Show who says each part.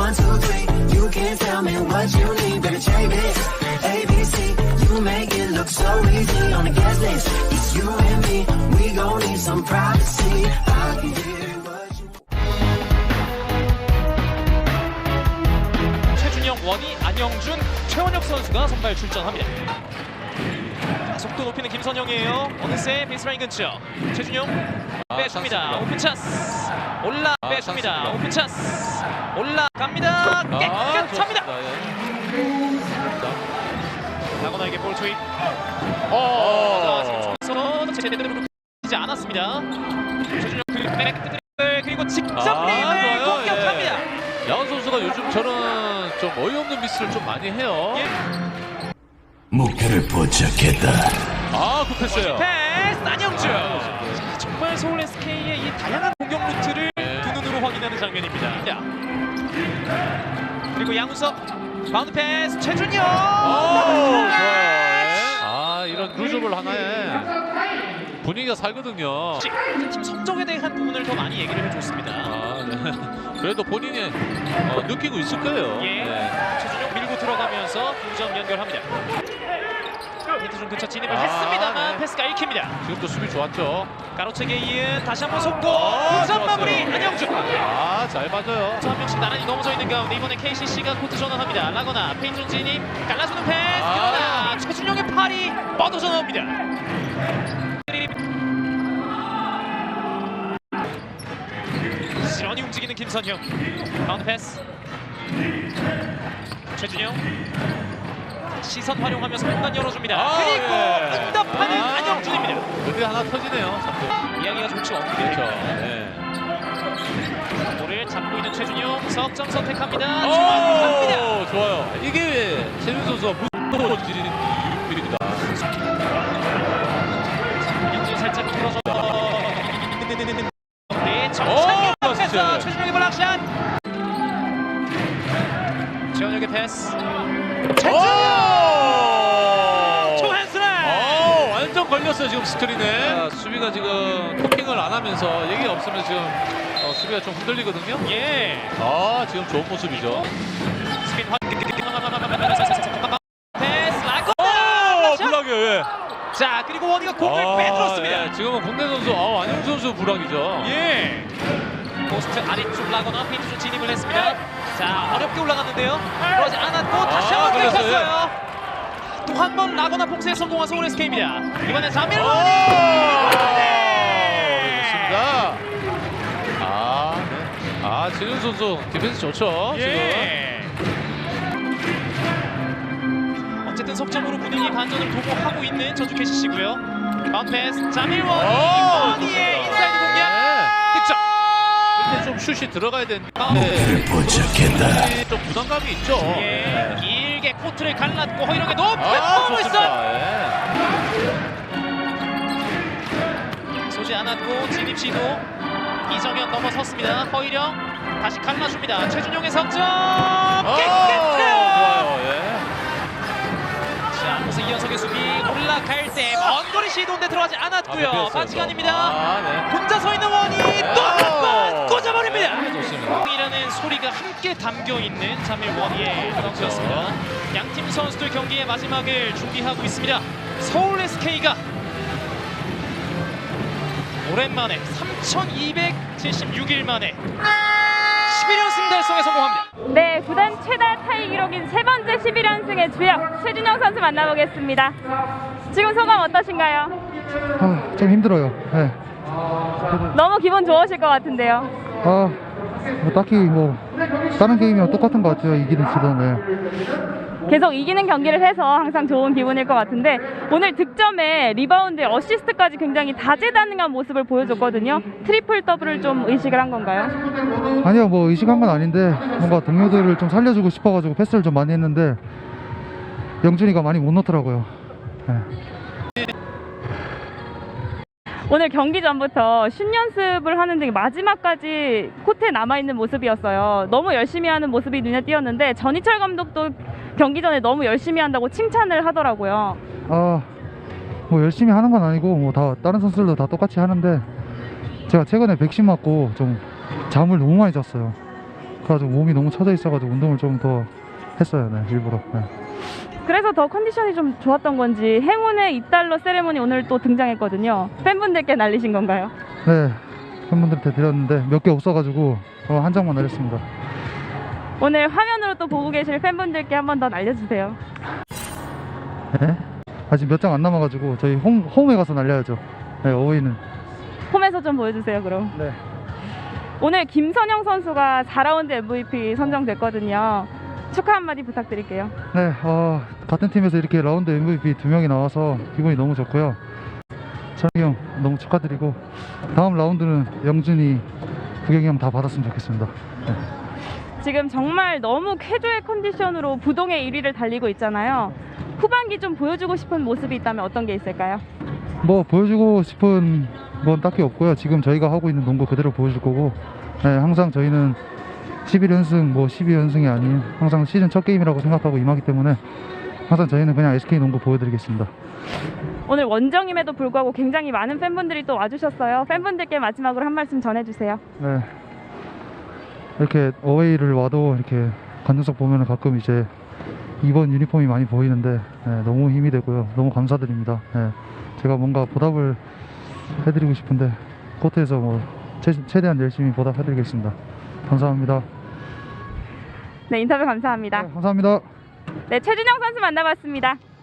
Speaker 1: 1, 2, 3. You can tell me what you need, baby, check this. ABC, you make it look so easy on the guest list. It's you and me, we gon' need some privacy. I can get what you want.
Speaker 2: 최준영, 원희, 안영준, 최원혁 선수가 선발 출전합니다. 자, 속도 높이는 김선영이에요. 어느새 베이스라인 근처. 최준영 빼줍니다. 오픈 찬스. 빼줍니다. 오픈 찬스. 올라갑니다. 깨끗합니다. 라거나에게 볼 투입. 제대로 되지 않았습니다. 최준영 그리고 직접 레인을 공격합니다.
Speaker 3: 야원 선수가 요즘 저는 좀 어이없는 미스를 좀 많이 해요.
Speaker 1: 목표를 포착했다.
Speaker 3: 굿패스예요.
Speaker 2: 패스 안영준. 정말 서울 SK의 이 다양한 공격 루트를 두 눈으로 확인하는 장면입니다. 그리고 양우석 바운드 패스 최준영.
Speaker 3: 좋아요. 이런 루즈볼 하나에 분위기가 살거든요.
Speaker 2: 팀 성적에 대한 부분을 더 많이 얘기를 해줬습니다.
Speaker 3: 네. 그래도 본인이 느끼고 있을 거예요.
Speaker 2: 최준영 밀고 들어가면서 2점 연결합니다. 힌트존 근처 진입을 했습니다만 패스가 읽힙니다.
Speaker 3: 지금도 수비 좋았죠.
Speaker 2: 가로채기에 이은 다시 한번 속고 2점 마무리 안영준.
Speaker 3: 잘 맞아요.
Speaker 2: 한 명씩 나란히 넘어져 있는 가운데 이번에 KCC가 코트 전환합니다. 라거나 페인존 진입 갈라주는 패스. 그러나 최준영의 팔이 뻗어져 나옵니다. 시원히 움직이는 김선형. 바운드 패스. 최준영 시선 활용하면서 공간 열어줍니다. 그리고 응답하는 안영준입니다.
Speaker 3: 여기 하나 터지네요.
Speaker 2: 이야기가 좋지 않군요. 볼을 잡고 있는 최준영 석점 선택합니다. 중앙합니다.
Speaker 3: 좋아요. 이게 최준 선수가 무서워 지르는 일입니다.
Speaker 2: 안영준 살짝 풀어서 정창현 앞에서 최준영의 블락샷. 최원혁의 패스.
Speaker 3: 완전 걸렸어요 지금 스크린에. 수비가 지금 토킹을 안 하면서 얘기가 없으면 지금 수비가 좀 흔들리거든요. 지금 좋은 모습이죠.
Speaker 2: 스핀 패스 라거나
Speaker 3: 불락이에요.
Speaker 2: 자 그리고 원희가 공을 빼들었습니다.
Speaker 3: 지금은 국내 선수 안영 선수 불락이죠.
Speaker 2: 포스트 아래쪽 라거나 페인트존 진입을 했습니다. 자 어렵게 올라갔는데요. 그러지 않았고 다시 한번 들켰어요. 또 한 번 라거나 폭스에 성공한 서울 SK입니다. 이번엔 자밀 원희.
Speaker 3: 좋습니다. 진윤 선수 디펜스 좋죠.
Speaker 2: 어쨌든 석점으로 분위기 반전을 도모하고 있는 전주 KCC고요. 바운드 패스 자밀 원희. 원희의 인사이드 공략 득점.
Speaker 3: 근데 좀 슛이 들어가야 되는데
Speaker 1: 목표를 포착했다.
Speaker 3: 좀 부담감이 있죠.
Speaker 2: 길게 코트를 갈랐고 허이력에 높게 퍼고 있어요. 쏘지 않았고 진입 시도. 이정현 넘어섰습니다. 허이력 다시 갈라줍니다. 최준용의 석점 깨끗해요. 자, 그래서 이현석의 수비 올라갈 때 먼 거리 시도인데 들어가지 않았고요. 반칙 아닙니다. 혼자 서 있는 원이 또 한 번 꽂아버립니다.
Speaker 3: 좋습니다.
Speaker 2: 이라는 소리가 함께 담겨 있는 자밀 원희의 덩크였습니다. 양팀 선수들 경기의 마지막을 준비하고 있습니다. 서울 SK가 오랜만에 3,276일 만에 11연승 달성에 성공합니다.
Speaker 4: 네, 구단 최다 타이 기록인 세 번째 11연승의 주역 최준영 선수 만나보겠습니다. 지금 소감 어떠신가요?
Speaker 5: 좀 힘들어요.
Speaker 4: 너무 기분 좋으실 것 같은데요.
Speaker 5: 딱히 다른 게임이랑 똑같은 것 같아요. 이기는 지도는.
Speaker 4: 계속 이기는 경기를 해서 항상 좋은 기분일 것 같은데 오늘 득점에 리바운드에 어시스트까지 굉장히 다재다능한 모습을 보여줬거든요. 트리플 더블을 좀 의식을 한 건가요?
Speaker 5: 아니요, 의식한 건 아닌데 뭔가 동료들을 좀 살려주고 싶어가지고 패스를 좀 많이 했는데 영준이가 많이 못 넣더라고요.
Speaker 4: 오늘 경기 전부터 슛 연습을 하는 등 마지막까지 코트에 남아있는 모습이었어요. 너무 열심히 하는 모습이 눈에 띄었는데 전희철 감독도 경기 전에 너무 열심히 한다고 칭찬을 하더라고요.
Speaker 5: 열심히 하는 건 아니고 다 다른 선수들도 다 똑같이 하는데 제가 최근에 백신 맞고 좀 잠을 너무 많이 잤어요. 그래가지고 몸이 너무 처져 있어가지고 운동을 좀 더 했어요. 네, 일부러. 네.
Speaker 4: 그래서 더 컨디션이 좀 좋았던 건지 행운의 $2 세레모니 오늘 또 등장했거든요. 팬분들께 날리신 건가요?
Speaker 5: 네, 팬분들한테 드렸는데 몇 개 없어가지고 한 장만 날렸습니다.
Speaker 4: 오늘 화면으로 또 보고 계실 팬분들께 한 번 더 날려주세요.
Speaker 5: 네? 아직 몇 장 안 남아가지고 저희 홈에 가서 날려야죠. 네, 어웨이는.
Speaker 4: 홈에서 좀 보여주세요, 그럼.
Speaker 5: 네.
Speaker 4: 오늘 김선영 선수가 4라운드 MVP 선정됐거든요. 축하 한마디 부탁드릴게요.
Speaker 5: 네, 같은 팀에서 이렇게 라운드 MVP 2명이 나와서 기분이 너무 좋고요. 찬이 형 너무 축하드리고 다음 라운드는 영준이, 구경이 형 다 받았으면 좋겠습니다. 네.
Speaker 4: 지금 정말 너무 쾌조의 컨디션으로 부동의 1위를 달리고 있잖아요. 후반기 좀 보여주고 싶은 모습이 있다면 어떤 게 있을까요?
Speaker 5: 뭐 보여주고 싶은 건 딱히 없고요. 지금 저희가 하고 있는 농구 그대로 보여줄 거고, 네, 항상 저희는 11연승 뭐 12연승이 아닌 항상 시즌 첫 게임이라고 생각하고 임하기 때문에 항상 저희는 그냥 SK 농구 보여드리겠습니다.
Speaker 4: 오늘 원정임에도 불구하고 굉장히 많은 팬분들이 또 와주셨어요. 팬분들께 마지막으로 한 말씀 전해주세요.
Speaker 5: 네, 이렇게 어웨이를 와도 이렇게 관중석 보면 가끔 이제 2번 유니폼이 많이 보이는데, 네, 너무 힘이 되고요. 너무 감사드립니다. 네, 제가 뭔가 보답을 해드리고 싶은데 코트에서 뭐 최대한 열심히 보답해드리겠습니다. 감사합니다.
Speaker 4: 네, 인터뷰 감사합니다.
Speaker 5: 네, 감사합니다.
Speaker 4: 네, 최준영 선수 만나봤습니다.